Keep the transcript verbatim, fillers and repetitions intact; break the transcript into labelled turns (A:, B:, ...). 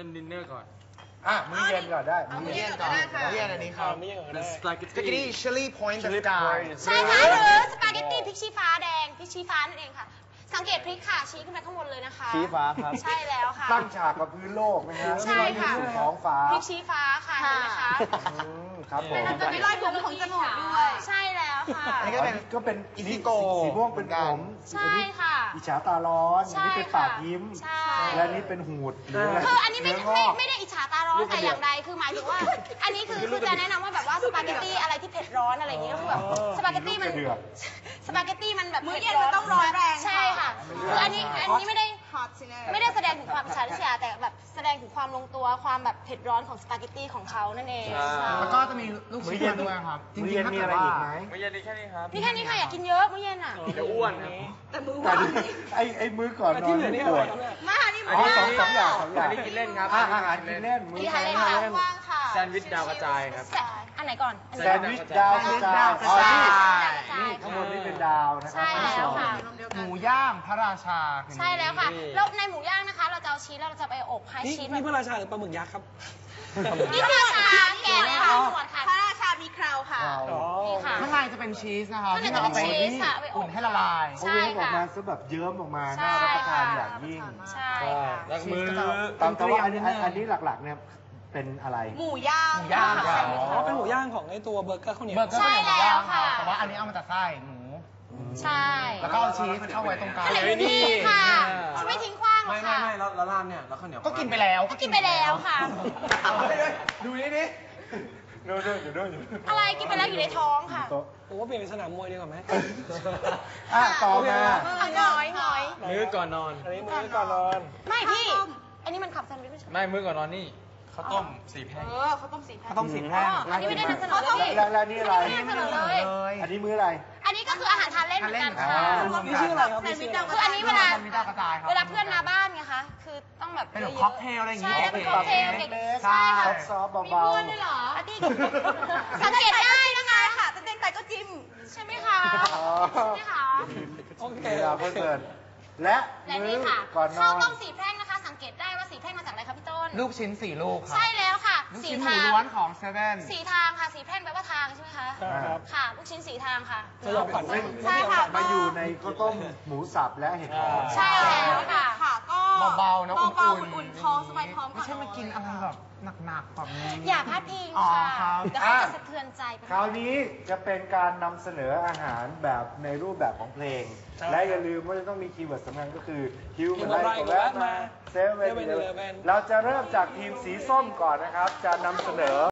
A: เป็นดินเนอร์ก่อน
B: อ่ะมื้อเย็นก่อนได้มื้อ
C: เย็น
B: เย็น
C: ก่อนมื้อ
B: เย็
C: เย็นอันนี้ครับ
A: มื้อเย็นก่อนได้สปาเกต
C: สปาเกตตี้
A: ตี้
C: ชิลลี่พอยต์เดอะสกาย
D: ใช่ค่ะหรือสปาเกตตี้พริกชี้ฟ้าแดงพริกชี้ฟ้านั่นเองค่ะสังเกตพริกค่ะชี้ขึ้นไปข้างบนเลยนะคะ
B: ชี้ฟ้าครับ
D: ใช่แล้วค่ะ
B: ตั้งฉากกับพื้นโลกนะฮะ
D: ใช่ค่ะ
B: สู่ท้องฟ้า
D: พริกชี้ฟ้าค่ะเห็นไหมคะ
B: อืมครับผม
D: มันจะมีรอยผมของจมูกด้วยใช่แล้วค่ะ
C: อันนี้ก็เป็น
B: ก็เป็น
C: อินดิโก
B: สีม่วงเป็นผม
D: ใช่ค่ะ
B: อิจฉาตาร้อนอันนี้เป็นปากยิ้ม
D: ใช่
B: และนี่เป็นหูดหรืออะไร
D: คืออันนี้ไม่
B: เนื้
D: ไม่
B: งอก
D: ไม่ได้อิจฉาตาร้อนแต่อย่างใดคือหมายถึงว่า อันนี้คือคือจะแนะนำว่าแบบว่าสปาเกตตี้อะไรที่เผ็ดร้อนอะไรอย่างเงี้ยก็คือแบบสปาเกตตี้มันสปาเกตตี้มันแบบเผ็ดร้อนต้องร้อนแรงใช่ค่ะคืออันนี้อันนี้ไม่ได้ไม่ได้แสดงถึงความอิจฉาริษยาแต่แบบแสดงถึงความลงตัวความแบบเผ็ดร้อนของสปาเกตตี้ของเขานั่นเองใช่
C: แล้วก็จะมีลูกชิ้นด้วยครับจ
B: มื้อ
C: ริง
B: เย็น
C: ๆถ้า
B: มี
C: เกิ
B: อะ
C: ด
B: ไร
C: ว่า
B: อีกไหม
A: มื้อเย็นนี่แค่นี้ครับ
D: มีแค่นี้ค่ะอยากกินเยอะมื้อเย็นอ่ะ
A: เดี๋ยวอ้วนครับ
D: แต่มือ
B: แต่ไอ้ไอ้มื้อก่อนนอนไม่ปวด
D: มานี่
B: อ๋อสองสองอย่างสองอย่าง
A: อันนี้กินเล่นครับ
B: อ่ะอาหารกินเล่นมื้อ
D: ที่
B: เช้า
D: ทานเล่น
B: ทาน
D: ค่ะ
B: เล่น
D: ว่างค่ะ
A: แซนด์วิชดาวกระจายครับ
D: อันไหนก่อนอัน
B: แซ
D: นี้
B: นด์วิชดาวกระจายอ๋อนี่นี่
D: ใช่
B: ข้างบนนี่เป็นดาวนะครับ
D: ใช่แล้วค่ะ
C: หมูย่างพระราชา
D: ใช่แล้วค่ะ แล้วในหมูย่างนะคะ เราจะเอาชีสแล้วเราจะไปอบให้
E: นี่
D: ชีส
E: นี่พระราชาหรือปลาหมึกยักษ์ครับ
D: นี่พระราชาแก่แล้วค่ะส่วนค่ะพระราชามีเคราวค่ะ
B: อ๋อ
D: นี่ค่ะ
C: ข้างในจะเป็นชีสนะครับ
D: ข้างใน
C: ที่
D: จะ
C: เรา
D: เป็น
C: ไป
D: ชีสค่ะไปอบ
C: อุ่นให้ละลาย
B: เขาเวฟออกมาซะแบบเยิ้มออกมาน่า
D: ใช่
B: รับประทา
D: ค่ะ
B: นอย่างยิ่ง
D: ใช่ค่ะ
A: แล้วมือ
B: แต่แต่ว่าอันนี้อันนี้หลักๆเนี่ยเป็นอะไร
D: หมูย่าง
C: หมูย่าง
D: ค่ะ
E: อ๋อ เป็นหมูย่างของไอ้ตัวเบอร์เกอร์ข้าวเหนียว
C: เบอร์เกอร์
D: ใช่
C: เป็นหมูย่าง
D: แล้วค่ะ
C: แต่ว่าอันนี้เอามาจากไส้หมู
D: ใช่
C: แล้วก็เอาชีสเข้าไว้ตรงกลาง
D: ข้าวเหนียวอยู่นี่ค่ะฉันไม่ทิ้งขว้างหรอก
A: ไม่ไม่
D: ค่ะ
A: ไม่แล้วแล้วร้านเนี่ยแล้วข้าวเหนียว
C: ก็กินไปแล้ว
D: ก็กินไปแล้วค่ะ
B: ดูนี่นี่ดูดูอยู่ด้วยอยู่
D: อะไรกินไปแล้วอยู่ในท้องค่ะ
B: โต๊ะ
E: ผมว่าเปลี่ยนเป็นสนามมวยดีกว่าไหม
B: อ่ะต่อมา
D: เอาหน่อยหน่อย
A: มื้อก่อนนอน
E: อันนี้มื้อก่อนนอน
D: ไม่พี่ อันนี้มันขับแซนด์วิชไม่ใช่
A: ไม่มื้อก่อนนอนนี่ข้าวต้มสี่แพร่ง
D: เออเขาต้มสีแพร่
C: ข้าวต้มสีแพร่ง
D: อันนี้ไม่ได้นำเสนอเลยพี่
B: แล้วแล้วนี่อะไร
D: ไม่ได้นำเสนอเลย
B: อันนี้มื้ออะไร
D: อันนี้ก็คืออาหารทานเล่นเหมือนกันค่ะ
B: ทานเล่นเหมือนกัน
E: นี่ชื่ออะไรครับนี่ชื่ออะไร
D: คืออันนี้เวลา
C: แซนด์วิชดาวกระจายครับ
D: เวลาเพื่อนมาบ้านไงคะ คือต้องแบบ
C: เป็นแบบ
D: ยะๆ
C: ค็อกเทลอะไรอย่างงี้
D: ใช่แล้วเป็นค็อกเทลเด็ก
B: เล็กๆ
D: ใช่ค่ะ
B: ซอฟต์ๆ
D: มี
B: เบา
D: บ้วนด้วยเหรออาร์ตี้สังเกตได้นะคะค่ะจะเต้นไปก็จิ้มใช่ไหมคะ
B: ๆอ๋อ
D: ใช่ไหมคะ
E: โอเค
B: เวลาเพื่อนๆและ
D: และ
B: มื้
D: นี่
B: อ
D: ค่ะ
B: ก่อนน
D: ข้า
B: อ
D: วน ต้มสีแพร่งนะคะ สังเกตได้ว่าสีแพร่งมาจากอะไรคะพี่ต้น
C: ลูกชิ้นสี่ลูกครับ
D: ใช่แล้วค่ะ
C: ลูก
D: สี
C: ชิ้นหมู
D: ทาง
C: ล้วนของเซเว่น
D: สีทางค่ะ สีแพร่งแปลว่าทางใช่ไหมคะ
E: ครับ
D: ค่ะลูกชิ้นสีทางค่ะ
E: สยองขวัญ
B: ซึ่ง
D: ใช่ค่ะ
B: มาอยู่ในข้าวต้มหมูสับและเห็ดหอม
D: ใช่แล้วค่ะ
F: ค่ะก็
C: เบาๆนะอุ่นๆ
F: เบาๆอุ่นๆท้องสบายท้อง
C: ไม่ใช่มากินอะไรแบบหนักๆแบบนี้
D: อย่าพลาดพิง
C: อ๋อ
D: ค่ะ
C: ครับ
D: เดี๋ยวเขาจะสะเทือนใจไป
B: คราวนี้จะเป็นการนำเสนออาหารแบบในรูปแบบของเพลง และอย่าลืมว่าจะต้องมีคีย์เวิร์ดสำคัญก็คือฮิวมันไลท์แวะมาเซเว่นเราจะเริ่มจากทีมสีส้มก่อนนะครับ จะนำเสนอ